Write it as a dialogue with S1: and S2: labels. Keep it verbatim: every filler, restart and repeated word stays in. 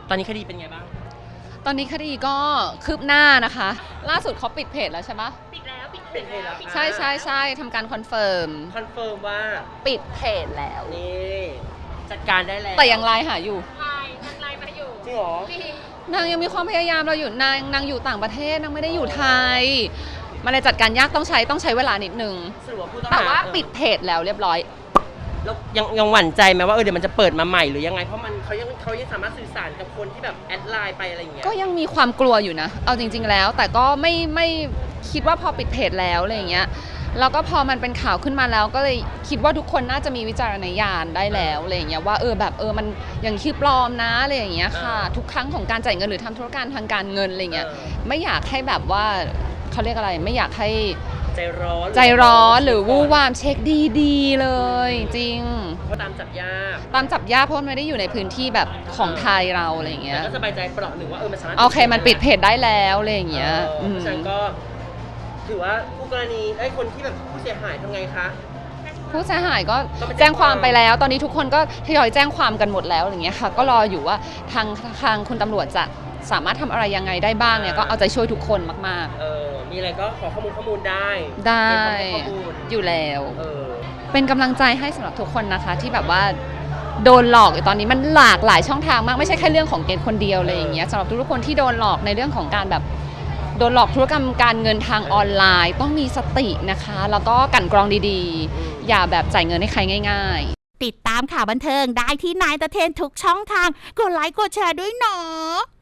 S1: ตอนนี้คดีเป็นไงบ้าง
S2: ตอนนี้คดีก็คืบหน้านะคะล่าสุดเขาปิดเพจแล้วใช่ไหม
S3: ปิดแล้วปิด
S1: ปิดเพจแล้ว
S2: ใช่ใช่ใช่ทำการคอนเฟิร์ม
S1: คอนเฟิร์มว่า
S2: ปิดเพจแล้ว
S1: นี่จัดการได้แล้ว
S2: แต่ยังไลน์หาอยู่
S3: ไลน์ยังไลน์มาอยู่
S1: จริงเหรอ
S2: นางยังมีความพยายามเราอยู่นางนางอยู่ต่างประเทศนางไม่ได้อยู่ไทยมันเลยจัดการยากต้องใช้ต้องใช้เวลานิดนึงแต่ว่าปิดเพจแล้วเรียบร้อย
S1: แล้วยังยังหวั่นใจไหมว่าเออเดี๋ยวมันจะเปิดมาใหม่หรือยังไงเพราะมันเขายังเขายังสามารถสื่อสารกับคนที่แบบแอดไลน์ไปอะไรอย่างเงี้ย
S2: ก็ยังมีความกลัวอยู่นะเอาจริงๆแล้วแต่ก็ไม่ไม่คิดว่าพอปิดเพจแล้วอะไรอย่างเงี้ยแล้วก็พอมันเป็นข่าวขึ้นมาแล้วก็เลยคิดว่าทุกคนน่าจะมีวิจารณญาณได้แล้วอะไรอย่างเงี้ยว่าเออแบบเออมันอย่างชื่อปลอมนะอะไรอย่างเงี้ยค่ะทุกครั้งของการจ่ายเงินหรือทำธุรการทางการเงินอะไรเงี้ยไม่อยากให้แบบว่าเขาเรียกอะไรไม่อยากให้
S1: ใจร้อน
S2: ใจร้อนหรือวู่วามเช็คดีๆเลยจริง
S1: เพราะตามจับยาก
S2: ตามจับยากเพราะมันไม่ได้อยู่ในพื้นที่แบบของไทยเราอะไรอย่างเงี้ย
S1: ก็สบายใจเปราะหนึ่งว่าเออมันสามารถ
S2: โอเคมันปิดเพจได้แล้วอะไรอย่างเงี้ย
S1: เพราะฉะนั้นก็ถือว่าผู้กรณีไอ้คนที่แบบผู้เสียหายทำไงคะ
S2: ผู้เสียหายก็แจ้งความไปแล้วตอนนี้ทุกคนก็ทยอยแจ้งความกันหมดแล้วอย่างเงี้ยค่ะก็รออยู่ว่าทางทางคุณตำรวจจะสามารถทำอะไรยังไงได้บ้างเนี่ยก็เอาใจช่วยทุกคนมาก
S1: ๆเออมีอะไรก็ขอข้อมูลข้อมูลได้
S2: ได้อยู่แล้วเออเป็นกำลังใจให้สำหรับทุกคนนะคะที่แบบว่าโดนหลอกอยู่ตอนนี้มันหลากหลายช่องทางมากไม่ใช่แค่เรื่องของเกณฑ์คนเดียวเลยอย่างเงี้ยสำหรับทุกคนที่โดนหลอกในเรื่องของการแบบโดนหลอกธุรกรรมการเงินทางออนไลน์ต้องมีสตินะคะแล้วก็กั่นกรองดีๆอย่าแบบจ่ายเงินให้ใครง่าย
S4: ๆติดตามข่าวบันเทิงได้ที่นายตะเทนทุกช่องทางกดไลค์กดแชร์ด้วยเนาะ